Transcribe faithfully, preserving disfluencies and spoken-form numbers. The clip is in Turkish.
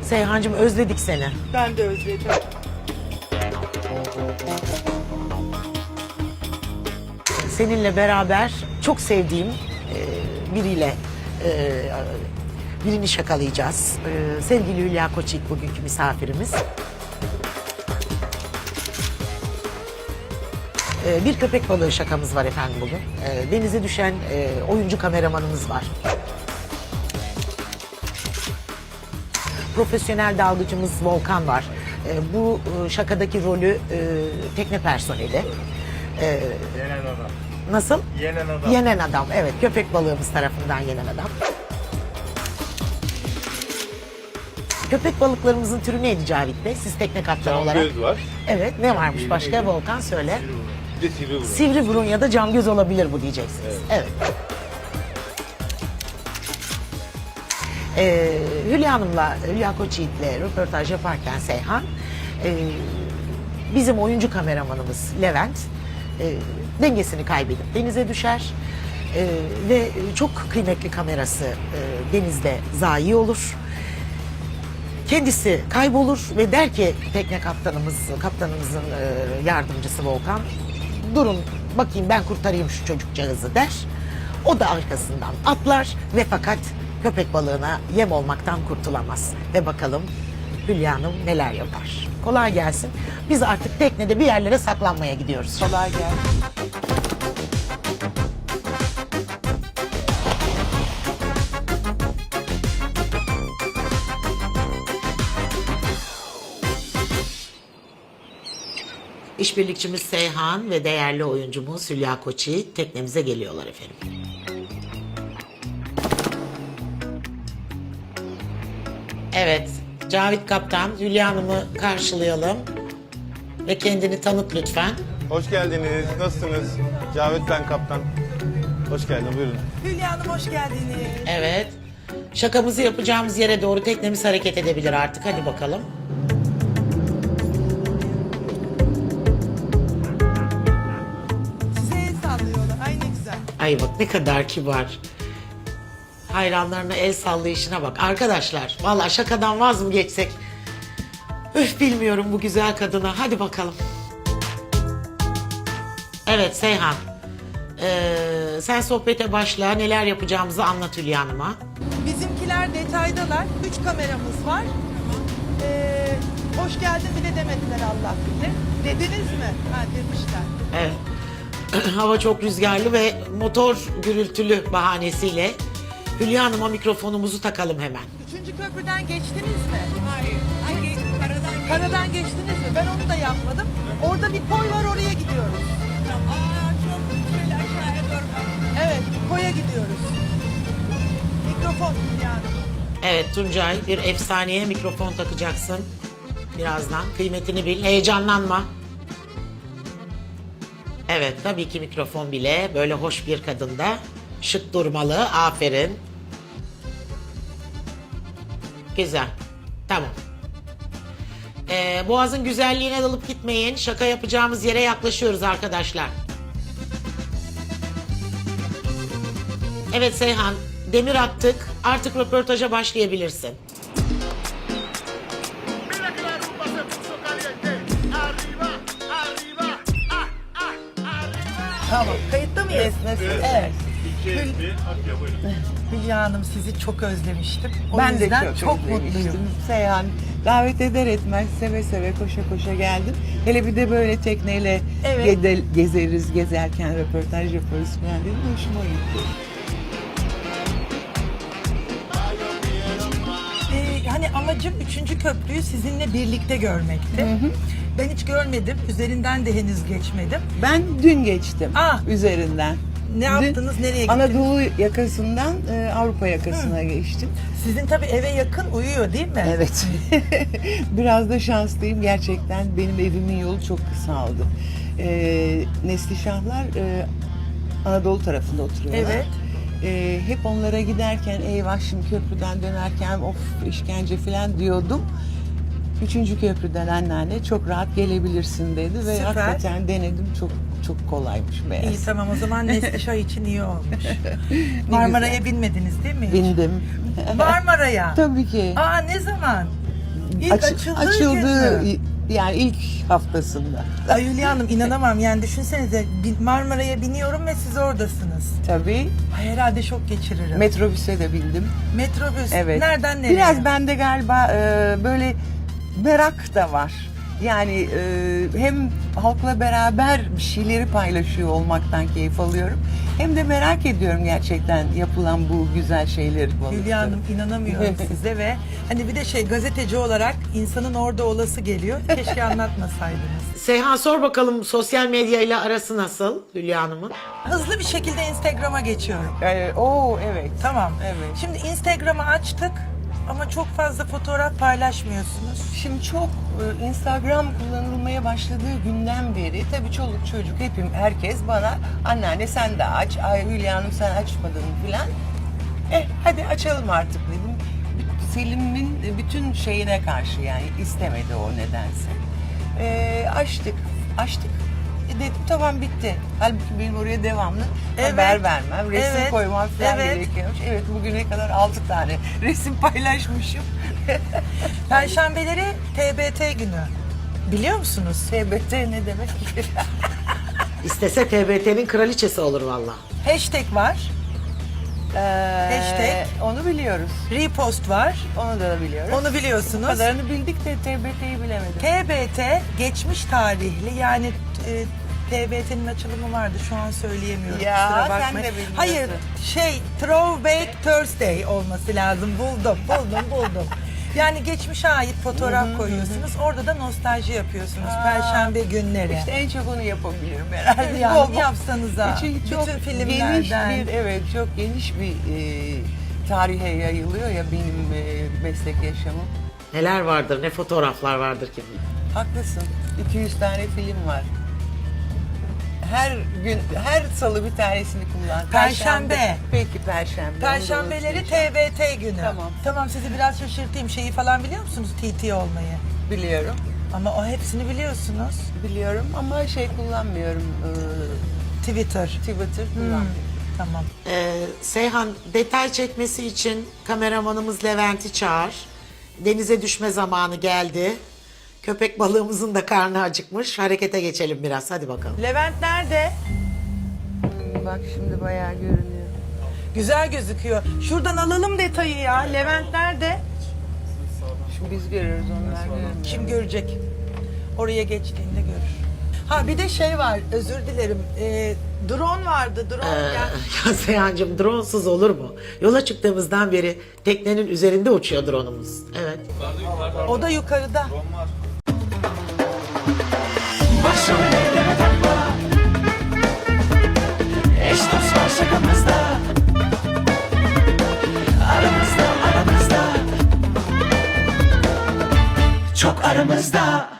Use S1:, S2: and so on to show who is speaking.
S1: Seyhancığım özledik seni.
S2: Ben de özledim.
S1: Seninle beraber çok sevdiğim e, biriyle e, birini şakalayacağız. E, sevgili Hülya Koçyiğit bugünkü misafirimiz. E, bir köpek balığı şakamız var efendim bugün. E, denize düşen e, oyuncu kameramanımız var. Profesyonel dalgıcımız Volkan var. E, bu e, şakadaki rolü e, tekne personeli. E,
S3: Yenen adam.
S1: Nasıl?
S3: Yenen adam.
S1: Yenen adam, evet. Köpek balığımız tarafından yenen adam. Köpek balıklarımızın türü neydi Cavit Bey? Siz tekne kaptanı olarak.
S3: Camgöz var.
S1: Evet, ne varmış
S3: Yeni
S1: başka?
S3: yeni.
S1: Volkan söyle.
S3: Bir de sivri burun.
S1: Sivri burun ya da camgöz olabilir bu diyeceksiniz. Evet. Ee, Hülya Hanım'la, Hülya Koçyiğit'le röportaj yaparken Seyhan, e, bizim oyuncu kameramanımız Levent e, dengesini kaybedip denize düşer e, ve çok kıymetli kamerası e, denizde zayi olur. Kendisi kaybolur ve der ki tekne kaptanımız, kaptanımızın e, yardımcısı Volkan, durun bakayım ben kurtarayım şu çocukcağızı der. O da arkasından atlar ve fakat köpek balığına yem olmaktan kurtulamaz. Ve bakalım Hülya Hanım neler yapar. Kolay gelsin. Biz artık teknede bir yerlere saklanmaya gidiyoruz.
S2: Kolay gelsin.
S1: İşbirlikçimiz Seyhan ve değerli oyuncumuz Hülya Koçyiğit teknemize geliyorlar efendim. Evet, Cavit Kaptan, Hülya Hanım'ı karşılayalım. Ve kendini tanıt lütfen.
S3: Hoş geldiniz. Nasılsınız? Cavit ben kaptan. Hoş geldin. Buyurun.
S2: Hülya Hanım hoş geldiniz.
S1: Evet. Şakamızı yapacağımız yere doğru teknemiz hareket edebilir artık. Hadi bakalım.
S2: Size el sallıyorlar. Ay ne güzel.
S1: Ay bak ne kadar kibar. Hayranlarına el sallayışına bak. Arkadaşlar vallahi şakadan vaz mı geçsek? Öf bilmiyorum bu güzel kadına. Hadi bakalım. Evet Seyhan. Ee, sen sohbete başla. Neler yapacağımızı anlat Hülya Hanım'a.
S2: Bizimkiler detaydalar. Üç kameramız var. Ee, hoş geldin bile demediler Allah bilir. Dediniz mi? Ha demişler.
S1: Evet. Hava çok rüzgarlı ve motor gürültülü bahanesiyle Hülya Hanım'a mikrofonumuzu takalım hemen.
S2: Üçüncü köprüden geçtiniz mi? Hayır. Hangi? Karadan, Karadan geçtiniz mi? Ben onu da yapmadım. Orada bir koy var oraya gidiyoruz. Aa çok şöyle aşağıya doğru. Evet koya gidiyoruz. Mikrofon Hülya Hanım.
S1: Evet Tuncay bir efsaneye mikrofon takacaksın. Birazdan kıymetini bil. Heyecanlanma. Evet tabii ki mikrofon bile böyle hoş bir kadında şık durmalı. Aferin. Güzel. Tamam. Ee, Boğaz'ın güzelliğine dalıp gitmeyin. Şaka yapacağımız yere yaklaşıyoruz arkadaşlar. Evet Seyhan, demir attık. Artık röportaja başlayabilirsin.
S4: Mira que la rumba se puso caliente. Arriba, arriba, ah, ah, arriba.
S2: Tamam. Kayıtta mıyız? Evet.
S3: İki, bir, atıyor. Buyurun.
S2: Hülya Hanım sizi çok özlemiştim. O
S5: Ben de
S2: yüzden
S5: çok,
S2: çok
S5: özlemiştim.
S2: mutluyum.
S5: Seyhan davet eder etmez seve seve koşa koşa geldim. Hele bir de böyle tekneyle
S2: Evet.
S5: gede- gezeriz, gezerken röportaj yaparız falan dedim. Hoşuma gitti.
S2: Ee, hani amacım üçüncü köprüyü sizinle birlikte görmekti. Ben hiç görmedim. Üzerinden de henüz geçmedim.
S5: Ben dün geçtim
S2: Ah!
S5: üzerinden.
S2: Ne
S5: Dün
S2: yaptınız? Nereye gittiniz?
S5: Anadolu yakasından e, Avrupa yakasına geçtim.
S2: Sizin tabii eve yakın uyuyor değil mi?
S5: Evet. Biraz da şanslıyım gerçekten. Benim evimin yolu çok kısaldı. Ee, Neslişahlar e, Anadolu tarafında oturuyorlar.
S2: Evet.
S5: Ee, hep onlara giderken eyvah şimdi köprüden dönerken of işkence falan diyordum. Üçüncü köprüden anneanne çok rahat gelebilirsin dedi ve
S2: Süper.
S5: hakikaten denedim çok çok kolaymış meğer.
S2: İyi tamam o zaman Neslişah için iyi olmuş. Marmara'ya binmediniz değil mi hiç?
S5: Bindim.
S2: Marmara'ya.
S5: Tabii ki.
S2: Aa ne zaman? İlk
S5: Aç-
S2: açıldığı
S5: açıldığı
S2: gün mü?
S5: yani ilk haftasında.
S2: Ay Hülya Hanım inanamam yani düşünsenize bin- Marmara'ya biniyorum ve siz oradasınız.
S5: Tabii
S2: Ay, herhalde şok geçiririm.
S5: metrobüse de bindim.
S2: Metrobüs.
S5: Evet.
S2: Nereden nereye?
S5: Biraz bende galiba e, böyle merak da var. Yani e, hem halkla beraber bir şeyleri paylaşıyor olmaktan keyif alıyorum. Hem de merak ediyorum gerçekten yapılan bu güzel şeyleri.
S2: Hülya Hanım inanamıyorum size ve hani bir de şey gazeteci olarak insanın orada olası geliyor. Keşke anlatmasaydınız.
S1: Seyhan sor bakalım sosyal medya ile arası nasıl Hülya Hanım'ın?
S2: Hızlı bir şekilde Instagram'a geçiyorum.
S5: E, oo evet.
S2: Tamam.
S5: Evet.
S2: Şimdi Instagram'ı açtık ama çok fazla fotoğraf paylaşmıyorsunuz.
S5: Şimdi çok e, Instagram kullanılmaya başladığı günden beri tabii çoluk çocuk hepim herkes bana anneanne sen de aç, ay Hülya Hanım sen açmadın filan. Eh hadi açalım artık dedim. Selim'in bütün şeyine karşı yani istemedi o nedense. E, açtık, açtık. E, dedim tamam bitti. Halbuki benim oraya devamlı
S2: Evet.
S5: haber vermem, resim
S2: Evet.
S5: koymam falan
S2: Evet.
S5: gerekiyormuş. Evet bugüne kadar altı tane resim paylaşmışım.
S2: Perşembeleri T B T günü. Biliyor musunuz?
S5: T B T ne demek?
S1: İstese T B T'nin kraliçesi olur valla.
S2: Hashtag var,
S5: Ee,
S2: Hashtag.
S5: Onu biliyoruz.
S2: repost var.
S5: Onu da biliyoruz.
S2: Onu
S5: Bu
S2: biliyorsunuz.
S5: kadarını bildik de T B T'yi bilemedim.
S2: T B T geçmiş tarihli yani e, T B T'nin açılımı vardı şu an söyleyemiyorum.
S5: Ya,
S2: kusura
S5: sen
S2: bakmayın.
S5: de bilmiyorsun.
S2: Hayır şey Throwback Thursday olması lazım. Buldum buldum buldum. Yani geçmişe ait fotoğraf koyuyorsunuz. Orada da nostalji yapıyorsunuz. Perşembe günleri.
S5: İşte en çok onu yapabilirim herhalde.
S2: Yani
S5: Bol bol.
S2: yapsanıza.
S5: Çünkü çok
S2: Bütün
S5: geniş
S2: filmlerden.
S5: bir, evet çok geniş bir e, tarihe yayılıyor ya benim e, meslek yaşamım.
S1: Neler vardır, ne fotoğraflar vardır ki.
S5: Haklısın. iki yüz tane film var. Her gün, her salı bir tanesini kullan.
S2: Perşembe.
S5: Peki Perşembe.
S2: Perşembeleri
S5: Onu da
S2: T B T günü.
S5: Tamam.
S2: Tamam sizi biraz şaşırtayım. Şeyi falan biliyor musunuz T T olmayı?
S5: biliyorum.
S2: Ama o hepsini biliyorsunuz.
S5: Biliyorum ama şey kullanmıyorum. e,
S2: Twitter.
S5: Twitter
S2: Hmm,
S5: kullanmıyorum.
S2: Tamam.
S1: Ee, Seyhan detay çekmesi için kameramanımız Levent'i çağır. Denize düşme zamanı geldi. Köpek balığımızın da karnı acıkmış. Harekete geçelim biraz. Hadi bakalım.
S2: Levent nerede?
S5: Bak şimdi bayağı görünüyor.
S2: Güzel gözüküyor. Şuradan alalım detayı ya. Levent nerede?
S5: Şimdi biz görüyoruz onlar görmüyor.
S2: Kim görecek? Oraya geçtiğinde görür. Ha bir de şey var. Özür dilerim. Ee, drone vardı. Drone
S1: Ee,
S2: gel.
S1: ya Seyhan'cığım dronesuz olur mu? Yola çıktığımızdan beri teknenin üzerinde uçuyor drone'umuz. Evet.
S2: O da yukarıda.
S6: Başım elleme takma. Eş dost var şakamızda. Aramızda aramızda. Çok aramızda.